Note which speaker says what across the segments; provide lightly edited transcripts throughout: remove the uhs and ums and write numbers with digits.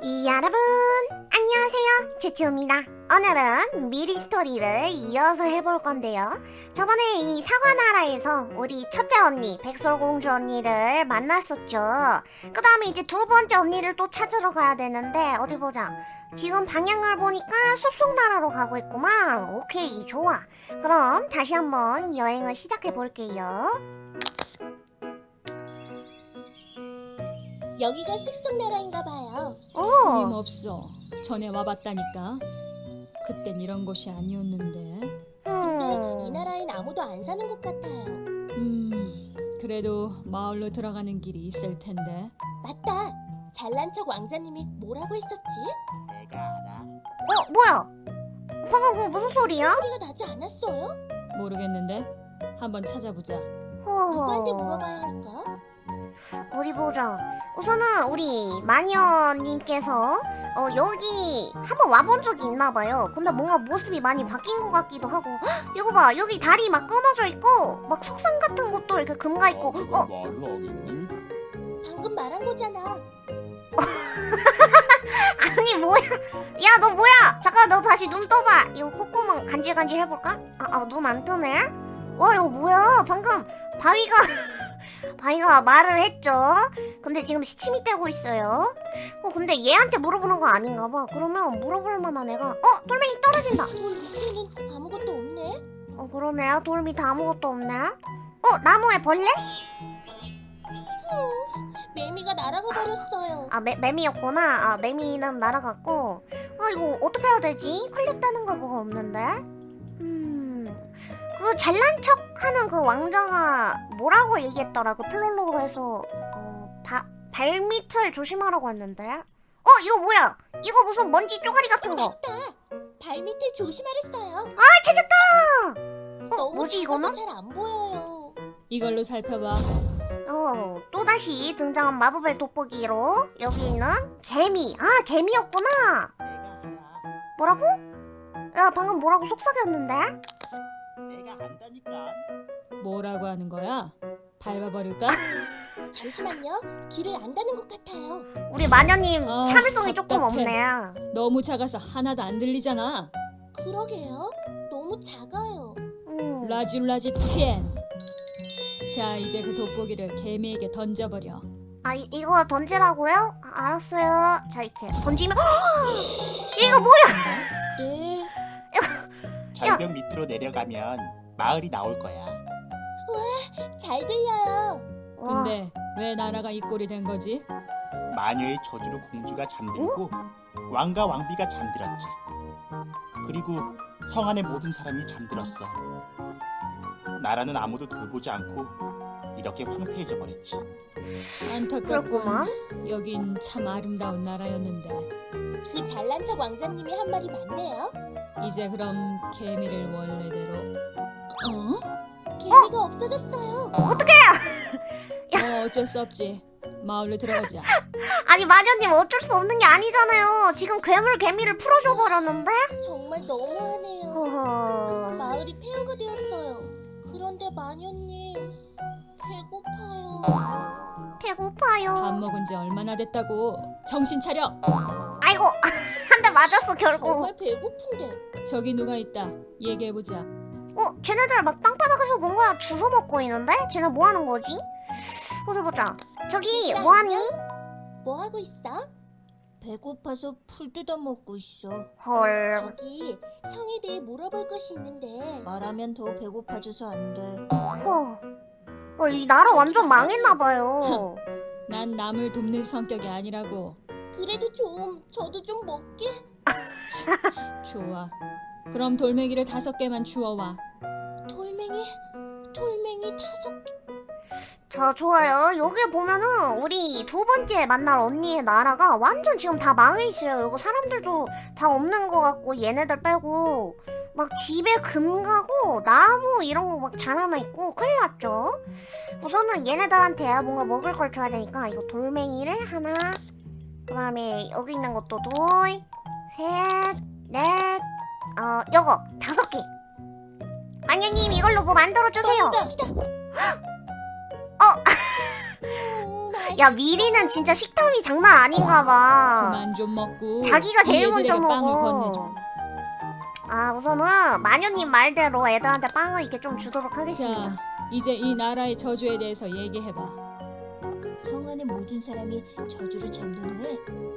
Speaker 1: 여러분 안녕하세요, 츠츠입니다. 오늘은 미리 스토리를 이어서 해볼 건데요. 저번에 이 사과나라에서 우리 첫째 언니 백설공주 언니를 만났었죠. 그 다음에 이제 두 번째 언니를 또 찾으러 가야 되는데 어디 보자. 지금 방향을 보니까 숲속나라로 가고 있구만. 오케이, 좋아. 그럼 다시 한번 여행을 시작해 볼게요.
Speaker 2: 여기가 숲속나라인가 봐요.
Speaker 1: 오,
Speaker 3: 틀림없어. 전에 와봤다니까. 그땐 이런 곳이 아니었는데.
Speaker 2: 근데 이 나라엔 아무도 안 사는 것 같아요.
Speaker 3: 그래도 마을로 들어가는 길이 있을 텐데.
Speaker 2: 맞다. 잘난 척 왕자님이 뭐라고 했었지?
Speaker 4: 내가 알아.
Speaker 1: 뭐야? 방금 그거 무슨 소리야?
Speaker 2: 소리가 나지 않았어요?
Speaker 3: 모르겠는데. 한번 찾아보자.
Speaker 2: 누구한테 물어봐야 할까?
Speaker 1: 어디 보자. 우선은 우리 마녀님께서 여기 한번 와본 적이 있나봐요. 근데 뭔가 모습이 많이 바뀐 것 같기도 하고. 헉, 이거 봐, 여기 다리 막 끊어져 있고 막 석상 같은 것도 이렇게 금가 있고.
Speaker 4: 내가 말을 하겠니?
Speaker 2: 방금 말한 거잖아.
Speaker 1: 아니 뭐야? 야, 너 뭐야? 잠깐, 너 다시 눈 떠봐. 이거 콧구멍 간질간질 해볼까? 눈 안 뜨네. 와, 이거 뭐야? 방금 바위가 말을 했죠. 근데 지금 시침이 떼고 있어요. 근데 얘한테 물어보는 거 아닌가 봐. 그러면 물어볼 만한 애가 돌멩이 떨어진다.
Speaker 2: 돌 밑에는 아무것도 없네.
Speaker 1: 그러네. 돌 밑에 아무것도 없네. 나무에 벌레?
Speaker 2: 매미가 날아가 버렸어요.
Speaker 1: 매미였구나. 매미는 날아갔고. 이거 어떻게 해야 되지? 클릭되는 거 뭐가 없는데? 그 잘난 척하는 그 왕자가 뭐라고 얘기했더라? 그 플롤로그에서 발밑을 조심하라고 했는데. 이거 뭐야? 이거 무슨 먼지 쪼가리 같은 거.
Speaker 2: 맞다. 발밑을 조심하랬어요.
Speaker 1: 찾았다.
Speaker 2: 너무
Speaker 1: 뭐지 이거는?
Speaker 2: 잘 안 보여요.
Speaker 3: 이걸로 살펴봐.
Speaker 1: 또다시 등장한 마법의 돋보기로 여기 있는 개미. 개미였구나.
Speaker 4: 내가 알아.
Speaker 1: 뭐라고? 야, 방금 뭐라고 속삭였는데?
Speaker 4: 내가 안다니까.
Speaker 3: 뭐라고 하는 거야? 밟아버릴까?
Speaker 2: 잠시만요. 길을 안다는 것 같아요.
Speaker 1: 우리 마녀님
Speaker 3: 아,
Speaker 1: 참을성이 조금
Speaker 3: 답답해.
Speaker 1: 없네.
Speaker 3: 너무 작아서 하나도 안 들리잖아.
Speaker 2: 그러게요. 너무 작아요.
Speaker 3: 라지라지 티엔. 자, 이제 그 돋보기를 개미에게 던져버려.
Speaker 1: 이거 던지라고요? 알았어요. 자, 이렇게 던지면 이거 뭐야?
Speaker 2: 네.
Speaker 4: 절벽 밑으로 내려가면 마을이 나올 거야.
Speaker 2: 잘 들려요.
Speaker 1: 와,
Speaker 3: 근데 왜 나라가 이 꼴이 된 거지?
Speaker 4: 마녀의 저주로 공주가 잠들고 왕과 왕비가 잠들었지. 그리고 성 안의 모든 사람이 잠들었어. 나라는 아무도 돌보지 않고 이렇게 황폐해져 버렸지.
Speaker 3: 안타깝군.
Speaker 1: 그렇구만.
Speaker 3: 여긴 참 아름다운 나라였는데.
Speaker 2: 그 잘난 척 왕자님이 한 말이 맞네요.
Speaker 3: 이제 그럼 개미를 원래대로.
Speaker 2: 개미가 없어졌어요.
Speaker 3: 어쩔 수 없지. 마을로 들어가자.
Speaker 1: 아니, 마녀님 어쩔 수 없는 게 아니잖아요. 지금 개미를 풀어줘 버렸는데?
Speaker 2: 정말 너무하네요.
Speaker 1: 허허.
Speaker 2: 마을이 폐허가 되었어요. 그런데 마녀님 배고파요.
Speaker 1: 배고파요.
Speaker 3: 밥 먹은 지 얼마나 됐다고. 정신 차려.
Speaker 1: 아이고, 한 대 맞았어 결국.
Speaker 2: 정말 배고픈데.
Speaker 3: 저기 누가 있다. 얘기해보자.
Speaker 1: 쟤네들 막 땅바닥에서 뭔가 주워 먹고 있는데? 쟤네 뭐 하는 거지? 어디 보자. 저기 뭐 하니?
Speaker 2: 뭐 하고 있어? 배고파서 풀 뜯어 먹고 있어.
Speaker 1: 헐.
Speaker 2: 저기 성에 대해 물어볼 것이 있는데 말하면 더 배고파져서 안 돼.
Speaker 1: 이 나라 완전 망했나봐요.
Speaker 3: 난 남을 돕는 성격이 아니라고.
Speaker 2: 그래도 저도 좀 먹게.
Speaker 3: 좋아. 그럼 돌멩이를 5개만 주워와.
Speaker 2: 돌멩이 5개.
Speaker 1: 자, 좋아요. 여기 보면은 우리 두 번째 만날 언니의 나라가 완전 지금 다 망해 있어요. 이거 사람들도 다 없는 것 같고, 얘네들 빼고 막 집에 금 가고 나무 이런 거 막 자라나 있고 큰일 났죠. 우선은 얘네들한테 뭔가 먹을 걸 줘야 되니까 이거 돌멩이를 하나, 그 다음에 여기 있는 것도 둘, 셋, 넷, 요거 5개. 마녀님, 이걸로 뭐 만들어주세요.
Speaker 2: 다
Speaker 1: 야 미리는 진짜 식탐이 장난 아닌가 봐.
Speaker 3: 그만 좀 먹고
Speaker 1: 자기가 제일 먼저
Speaker 3: 얘들에게 빵을 건네줘.
Speaker 1: 먹어. 아 우선은 마녀님 말대로 애들한테 빵을 이렇게 좀 주도록 하겠습니다.
Speaker 3: 자, 이제 이 나라의 저주에 대해서 얘기해봐.
Speaker 2: 성 안의 모든 사람이 저주를 잠든 후에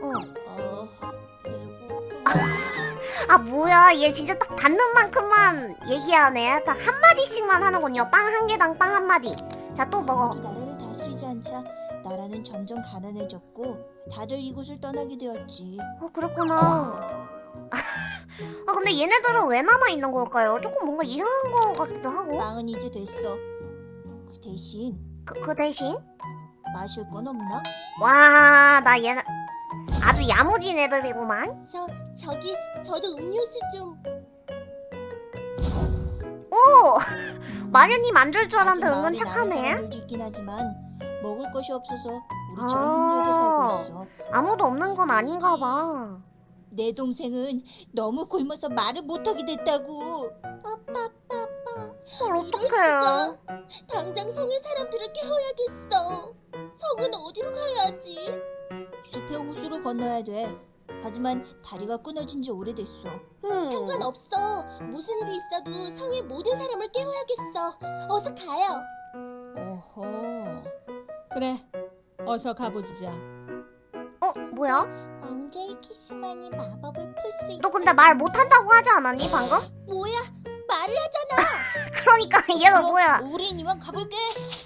Speaker 2: 배고파.
Speaker 1: 아 뭐야 얘 진짜 딱 닿는 만큼만 얘기하네. 딱 한마디씩만 하는군요. 빵 한 개당 빵 한마디. 자 또 먹어.
Speaker 2: 아무도 나라를 다스리지 않자 나라는 점점 가난해졌고 다들 이곳을 떠나게 되었지.
Speaker 1: 그랬구나. 아 근데 얘네들은 왜 남아있는 걸까요? 조금 뭔가 이상한 거 같기도 하고.
Speaker 2: 빵은 이제 됐어. 그 대신
Speaker 1: 그 대신?
Speaker 2: 마실 건 없나?
Speaker 1: 와 나 얘네 아주 야무진 애들이구만.
Speaker 2: 저도 음료수 좀.
Speaker 1: 오! 마녀님 안 줄 줄 알았는데
Speaker 2: 아직
Speaker 1: 은근
Speaker 2: 마을에 남은
Speaker 1: 착하네.
Speaker 2: 사람들도 있긴 하지만 먹을 것이 없어서 우리처럼
Speaker 1: 아.
Speaker 2: 힘들게 살고 있어.
Speaker 1: 아무도 없는 건 아닌가 봐.
Speaker 2: 내 동생은 너무 굶어서 말을 못하게 됐다고.
Speaker 1: 헐 어떡해.
Speaker 2: 당장 성의 사람들을 깨워야겠어. 성은 어디로 가야지? 숲의 호수로 건너야 돼. 하지만 다리가 끊어진 지 오래됐어. 상관없어. 무슨 일이 있어도 성의 모든 사람을 깨워야겠어. 어서 가요.
Speaker 3: 오호. 그래, 어서 가보자.
Speaker 1: 뭐야?
Speaker 2: 왕자의 키스만이 마법을 풀 수 있어.
Speaker 1: 너 근데 말 못한다고 하지 않았니 방금?
Speaker 2: 뭐야? 말을 하잖아.
Speaker 1: 그러니까 얘가 뭐야?
Speaker 2: 우린 이만 가볼게.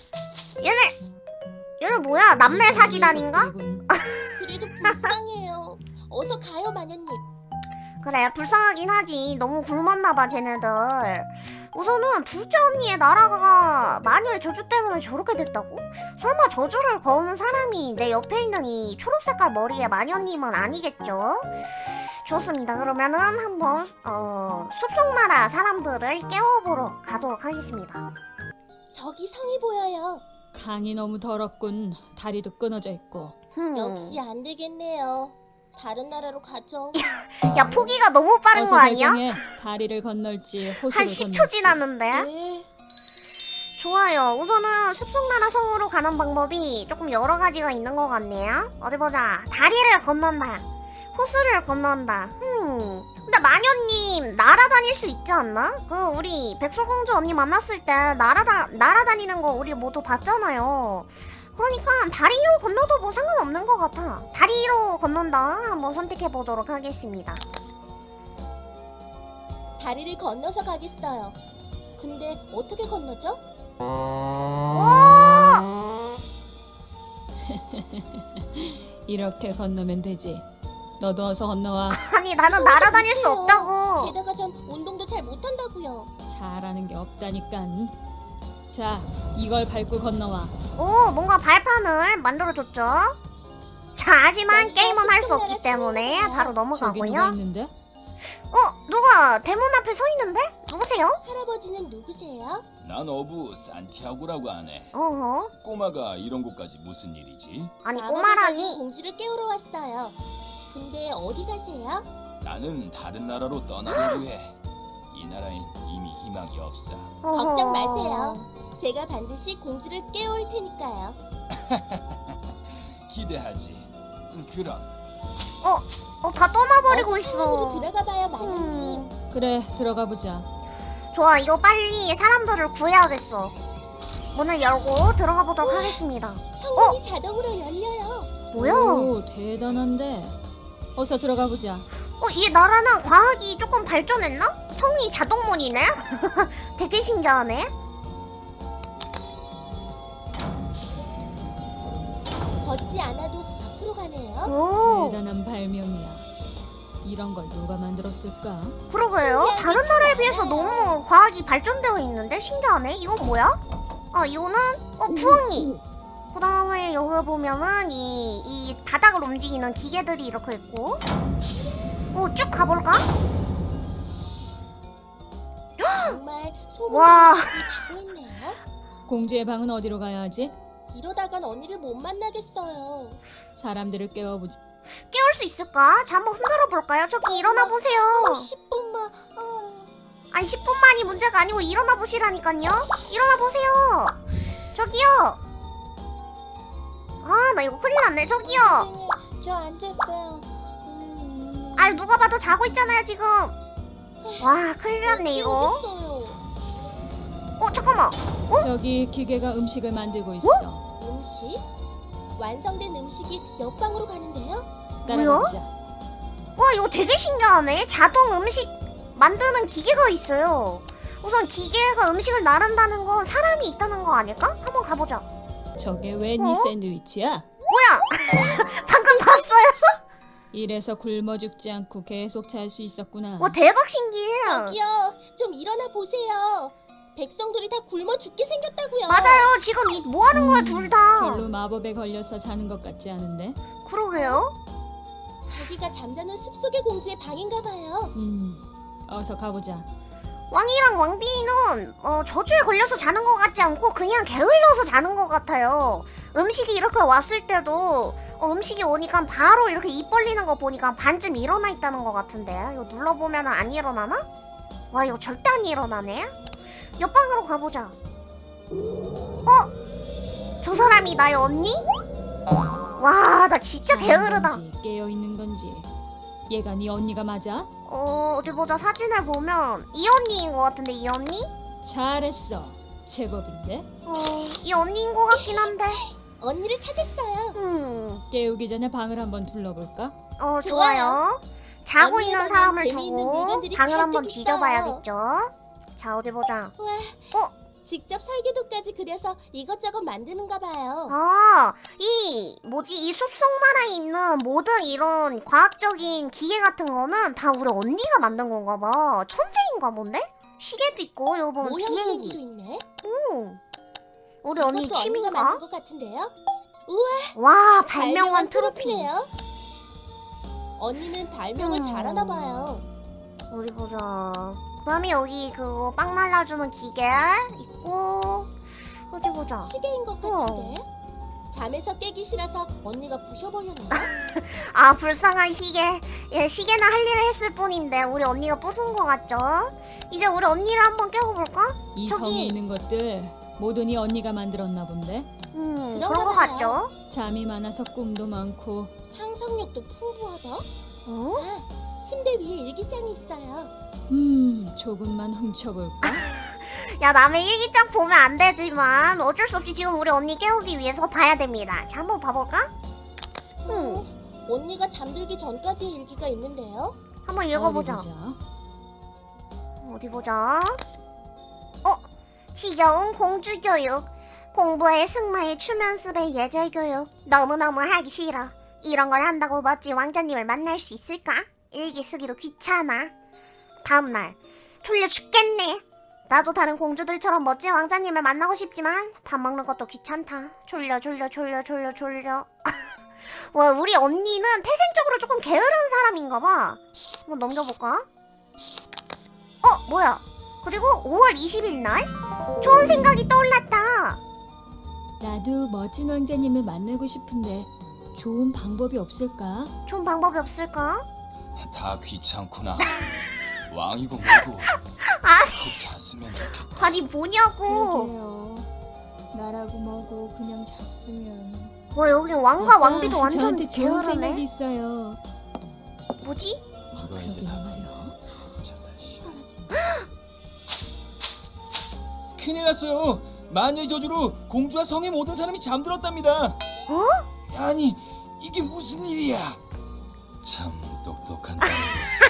Speaker 1: 얘는 뭐야? 남매 사기단인가?
Speaker 2: 그래도 불쌍해요. 어서 가요, 마녀님.
Speaker 1: 그래 불쌍하긴 하지. 너무 굶었나봐 쟤네들. 우선은 둘째 언니의 나라가 마녀의 저주 때문에 저렇게 됐다고? 설마 저주를 거는 사람이 내 옆에 있는 이 초록색깔 머리의 마녀님은 아니겠죠? 좋습니다. 그러면은 한번 숲속나라 사람들을 깨워보러 가도록 하겠습니다.
Speaker 2: 저기 성이 보여요.
Speaker 3: 강이 너무 더럽군. 다리도 끊어져 있고.
Speaker 2: 역시 안 되겠네요. 다른 나라로 가죠.
Speaker 1: 야 포기가 너무 빠른
Speaker 3: 어서
Speaker 1: 거 아니야?
Speaker 3: 결정해. 다리를 건널지 호수를
Speaker 1: 한
Speaker 3: 건널지.
Speaker 1: 10초 지났는데?
Speaker 2: 네.
Speaker 1: 좋아요. 우선은 숲속나라 성으로 가는 방법이 조금 여러 가지가 있는 것 같네요. 어디 보자. 다리를 건넌다. 호수를 건넌다. 근데 마녀님 날아다닐 수 있지 않나? 우리 백설공주 언니 만났을 때 날아다니는 거 우리 모두 봤잖아요. 그러니까 다리로 건너도 뭐 상관없는 것 같아. 다리로 건넌다 한번 선택해 보도록 하겠습니다.
Speaker 2: 다리를 건너서 가겠어요. 근데 어떻게 건너죠?
Speaker 3: 이렇게 건너면 되지. 너도 어서 건너와.
Speaker 1: 아니 나는 날아다닐 수 없다고.
Speaker 2: 게다가 전 운동도 잘 못한다고요.
Speaker 3: 잘하는 게 없다니깐. 자, 이걸 밟고 건너와.
Speaker 1: 오 뭔가 발판을 만들어줬죠. 자 하지만
Speaker 2: 여기가
Speaker 1: 게임은 할 수
Speaker 2: 숲속나라
Speaker 1: 없기 때문에
Speaker 2: 성이구나.
Speaker 1: 바로
Speaker 3: 저기 누가
Speaker 1: 넘어가고요.
Speaker 3: 있는데?
Speaker 1: 누가 대문 앞에 서 있는데? 누구세요?
Speaker 2: 할아버지는 누구세요?
Speaker 5: 난 어부 산티아고라고 하네.
Speaker 1: 어허.
Speaker 5: 꼬마가 이런 곳까지 무슨 일이지?
Speaker 1: 아니
Speaker 2: 마법을
Speaker 1: 꼬마라니.
Speaker 2: 가진 공주를 깨우러 왔어요. 근데 어디 가세요?
Speaker 5: 나는 다른 나라로 떠나려고 해. 이 나라엔 이미 희망이 없어.
Speaker 1: 어허.
Speaker 2: 걱정 마세요. 제가 반드시 공주를 깨울 테니까요.
Speaker 5: 기대하지. 그럼
Speaker 1: 다 떠나버리고
Speaker 2: 어서 성으로
Speaker 1: 있어.
Speaker 2: 들어가 봐요, 마녀님.
Speaker 3: 그래, 들어가 보자.
Speaker 1: 좋아 이거 빨리 사람들을 구해야겠어. 문을 열고 들어가 보도록 하겠습니다.
Speaker 2: 성문이 자동으로 열려요.
Speaker 1: 뭐야?
Speaker 3: 오, 대단한데. 어서 들어가 보자.
Speaker 1: 이 나라는 과학이 조금 발전했나? 성이 자동문이네? 되게 신기하네.
Speaker 2: 걷지 않아도 앞으로 가네요.
Speaker 1: 오,
Speaker 3: 대단한 발명이야. 이런 걸 누가 만들었을까?
Speaker 1: 그러게요. 다른 나라에 비해서 너무 과학이 발전되어 있는데 신기하네. 이건 뭐야? 아, 이거는 부엉이. 그 다음에 여기 보면은 이 바닥을 움직이는 기계들이 이렇게 있고. 쭉 가볼까?
Speaker 2: 정말 소문이
Speaker 1: 와.
Speaker 2: 자고 있네요.
Speaker 3: 공주의 방은 어디로 가야 하지?
Speaker 2: 이러다간 언니를 못 만나겠어요.
Speaker 3: 사람들을 깨워보자.
Speaker 1: 깨울 수 있을까? 자, 한번 흔들어 볼까요? 저기 일어나 보세요.
Speaker 2: 10분만.
Speaker 1: 아니 10분만이 문제가 아니고 일어나 보시라니까요. 일어나 보세요. 저기요. 아 나 이거 큰일 났네. 저기요.
Speaker 2: 저 앉았어요.
Speaker 1: 아, 누가 봐도 자고 있잖아요 지금. 와, 큰일 났네 이거. 잠깐만.
Speaker 3: 저기 기계가 음식을 만들고 있어.
Speaker 2: 음식? 완성된 음식이 옆방으로 가는데요?
Speaker 3: 따라가보자.
Speaker 1: 와, 이거 되게 신기하네. 자동 음식 만드는 기계가 있어요. 우선 기계가 음식을 나른다는 건 사람이 있다는 거 아닐까? 한번 가보자.
Speaker 3: 저게 왜 네 샌드위치야?
Speaker 1: 방금 봤어요?
Speaker 3: 이래서 굶어 죽지 않고 계속 잘 수 있었구나.
Speaker 1: 와, 대박 신기해.
Speaker 2: 저기요, 좀 일어나 보세요. 백성들이 다 굶어 죽게 생겼다고요.
Speaker 1: 맞아요. 지금 뭐 하는 거야, 둘 다.
Speaker 3: 별로 마법에 걸려서 자는 것 같지 않은데?
Speaker 1: 그러게요.
Speaker 2: 저기가 잠자는 숲속의 공주의 방인가 봐요.
Speaker 3: 어서 가보자.
Speaker 1: 왕이랑 왕비는 저주에 걸려서 자는 것 같지 않고 그냥 게을러서 자는 것 같아요. 음식이 이렇게 왔을 때도 음식이 오니까 바로 이렇게 입 벌리는 거 보니까 반쯤 일어나 있다는 것 같은데, 이거 눌러보면 안 일어나나? 와, 이거 절대 안 일어나네. 옆방으로 가보자. 저 사람이 나의 언니? 와, 나 진짜 게으르다.
Speaker 3: 깨어 있는 건지. 얘가 네 언니가 맞아?
Speaker 1: 어디 보자. 사진을 보면 이 언니인 것 같은데, 이 언니?
Speaker 3: 잘했어. 제법인데.
Speaker 1: 이 언니인 것 같긴 한데.
Speaker 2: 언니를 찾았어요.
Speaker 3: 깨우기 전에 방을 한번 둘러볼까?
Speaker 1: 좋아요. 자고
Speaker 2: 언니의
Speaker 1: 있는
Speaker 2: 방엔
Speaker 1: 사람을
Speaker 2: 재미있는
Speaker 1: 두고
Speaker 2: 물건들이
Speaker 1: 방을
Speaker 2: 잔뜩
Speaker 1: 한번
Speaker 2: 있어요.
Speaker 1: 뒤져봐야겠죠. 자, 어디 보자.
Speaker 2: 와, 직접 설계도까지 그려서 이것저것 만드는가 봐요.
Speaker 1: 이 숲속만에 있는 모든 이런 과학적인 기계 같은 거는 다 우리 언니가 만든 건가 봐. 천재인가 본데? 시계도 있고, 여기 보면
Speaker 2: 모형 기계도
Speaker 1: 비행기.
Speaker 2: 있네.
Speaker 1: 우리 언니
Speaker 2: 이것도 언니가
Speaker 1: 취미인가?
Speaker 2: 만든 것 같은데요?
Speaker 1: 와, 발명왕 트로피.
Speaker 2: 트로피네요. 언니는 발명을 잘하나 봐요.
Speaker 1: 어디 보자. 그다음에 여기 그거 빵 날라주는 기계 있고, 어디 보자.
Speaker 2: 시계인 것 같은데. 잠에서 깨기 싫어서 언니가 부셔버렸나?
Speaker 1: 아, 불쌍한 시계. 예, 시계는 할 일을 했을 뿐인데 우리 언니가 부순 것 같죠? 이제 우리 언니를 한번 깨워볼까?
Speaker 3: 이
Speaker 1: 저기-
Speaker 3: 성에 있는 것들 모두 네 언니가 만들었나 본데?
Speaker 1: 그런 것 같죠?
Speaker 3: 잠이 많아서 꿈도 많고.
Speaker 2: 상상력도 풍부하다.
Speaker 1: 어?
Speaker 2: 아, 침대 위에 일기장이 있어요.
Speaker 3: 조금만 훔쳐볼까?
Speaker 1: 야, 남의 일기장 보면 안 되지만 어쩔 수 없이 지금 우리 언니 깨우기 위해서 봐야 됩니다. 자, 한번 봐볼까?
Speaker 2: 언니가 잠들기 전까지의 일기가 있는데요.
Speaker 1: 한번 읽어보자. 어디 보자. 지겨운 공주교육. 공부에 승마에 춤연습에 예절교육. 너무너무 하기 싫어. 이런 걸 한다고 멋진 왕자님을 만날 수 있을까? 일기 쓰기도 귀찮아. 다음날. 졸려 죽겠네. 나도 다른 공주들처럼 멋진 왕자님을 만나고 싶지만 밥 먹는 것도 귀찮다. 졸려. 와, 우리 언니는 태생적으로 조금 게으른 사람인가 봐. 한번 넘겨볼까? 뭐야. 그리고 5월 20일 날 좋은 생각이 떠올랐다.
Speaker 3: 나도 멋진 왕자님을 만나고 싶은데 좋은 방법이 없을까?
Speaker 1: 좋은 방법이 없을까?
Speaker 5: 다 귀찮구나. 왕이고 뭐고 푹 잤으면 좋겠다.
Speaker 1: 아니, 뭐냐고.
Speaker 3: 그러게요. 나라고 뭐고 그냥 잤으면.
Speaker 1: 와, 여기 왕과
Speaker 3: 아빠,
Speaker 1: 왕비도 완전
Speaker 3: 저한테 좋은 생각이
Speaker 1: 게으르네.
Speaker 3: 있어요.
Speaker 1: 뭐지?
Speaker 5: 이거 이제
Speaker 3: 그러게
Speaker 5: 다
Speaker 3: 말이야.
Speaker 5: 괜찮다. 큰일 났어요. 마녀의 저주로 공주와 성의 모든 사람이 잠들었답니다. 아니 이게 무슨 일이야? 참 똑똑한 딸이었어.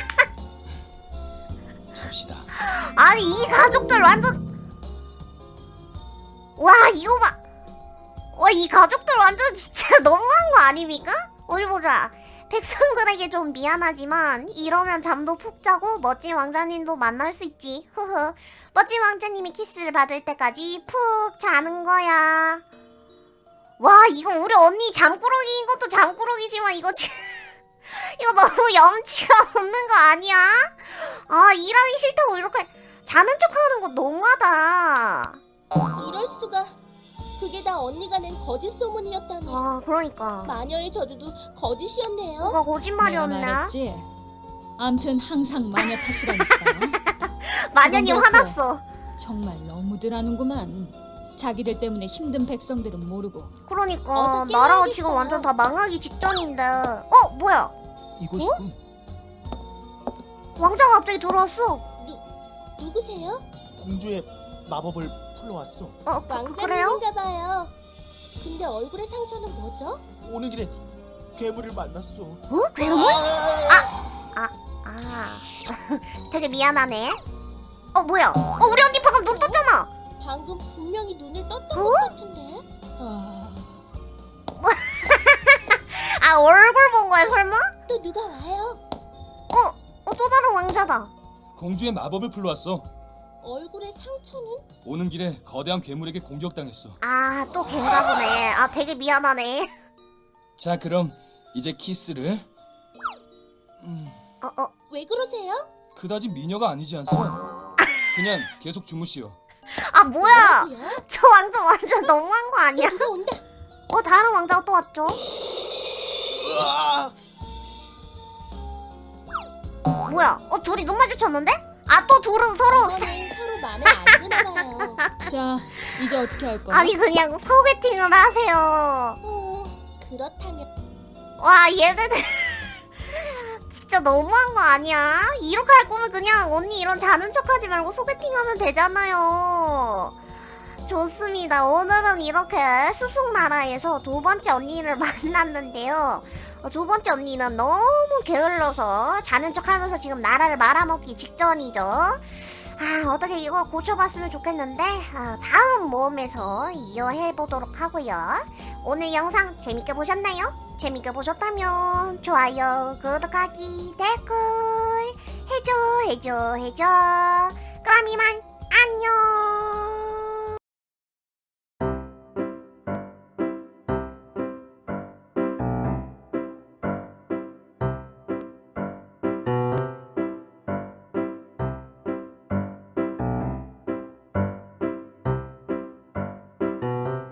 Speaker 5: 잡시다.
Speaker 1: 아니, 이 가족들 완전. 와, 이거 봐. 와, 이 가족들 완전 진짜 너무한 거 아닙니까? 어디 보자. 백성들에게 좀 미안하지만 이러면 잠도 푹 자고 멋진 왕자님도 만날 수 있지. 흐흐. 멋진 왕자님이 키스를 받을 때까지 푹 자는 거야. 와, 이거 우리 언니 잠꾸러기인 것도 잠꾸러기지만 이거 이거 너무 염치가 없는 거 아니야? 아, 일하기 싫다고 이렇게 자는 척하는 거 너무하다.
Speaker 2: 이럴 수가. 그게 다 언니가 낸 거짓 소문이었다니.
Speaker 1: 와, 그러니까
Speaker 2: 마녀의 저주도 거짓이었네요.
Speaker 1: 뭐가
Speaker 3: 내가
Speaker 1: 거짓말이었나?
Speaker 3: 말했지. 암튼 항상 마녀 탓이라니까.
Speaker 1: 마녀님
Speaker 3: 그건 그렇고.
Speaker 1: 화났어.
Speaker 3: 정말 너무들 하는구만. 자기들 때문에 힘든 백성들은 모르고.
Speaker 1: 그러니까
Speaker 2: 어서
Speaker 1: 나라가
Speaker 2: 깨워야겠어요.
Speaker 1: 지금 완전 다 망하기 직전인데. 뭐야?
Speaker 4: 이것이군.
Speaker 1: 왕자가 갑자기 들어왔어.
Speaker 2: 누구세요?
Speaker 4: 공주의 마법을 풀러왔어.
Speaker 1: 그래요?
Speaker 2: 왕자님인가 봐요. 근데 얼굴에 상처는 뭐죠?
Speaker 4: 오는 길에 괴물을 만났어.
Speaker 1: 괴물? 되게 미안하네. 뭐야? 우리 언니 방금 눈 떴잖아.
Speaker 2: 방금 분명히 눈을 떴던
Speaker 1: 어?
Speaker 2: 것 같은데.
Speaker 1: 얼굴 본 거야 설마?
Speaker 2: 또 누가 와요?
Speaker 1: 또 다른 왕자다.
Speaker 5: 공주의 마법을 불러왔어.
Speaker 2: 얼굴에 상처는?
Speaker 5: 오는 길에 거대한 괴물에게 공격당했어.
Speaker 1: 또 걔인가 보네. 되게 미안하네.
Speaker 5: 자, 그럼 이제 키스를.
Speaker 2: 왜 그러세요?
Speaker 5: 그다지 미녀가 아니지 않소? 그냥 계속 주무시오.
Speaker 1: 뭐야?
Speaker 2: 뭐라고요?
Speaker 1: 저 왕자 완전 너무한 거 아니야?
Speaker 2: 누가 온다.
Speaker 1: 다른 왕자가 또 왔죠?
Speaker 4: 으아!
Speaker 1: 뭐야? 둘이 눈 마주쳤는데? 또 둘은 서로
Speaker 2: 이번엔 서로 마음에 안 드나 봐요.
Speaker 3: 자, 이제 어떻게 할 거야?
Speaker 1: 아니 그냥 소개팅을 하세요.
Speaker 2: 그렇다면
Speaker 1: 와 얘네들 진짜 너무한 거 아니야? 이렇게 할 거면 그냥 언니 이런 자는 척하지 말고 소개팅하면 되잖아요. 좋습니다. 오늘은 이렇게 숲속나라에서 두 번째 언니를 만났는데요. 두 번째 언니는 너무 게을러서 자는 척하면서 지금 나라를 말아먹기 직전이죠. 어떻게 이걸 고쳐봤으면 좋겠는데 다음 모험에서 이어해보도록 하고요. 오늘 영상 재밌게 보셨나요? 재밌게 보셨다면 좋아요, 구독하기, 댓글 해줘. 그럼 이만 안녕.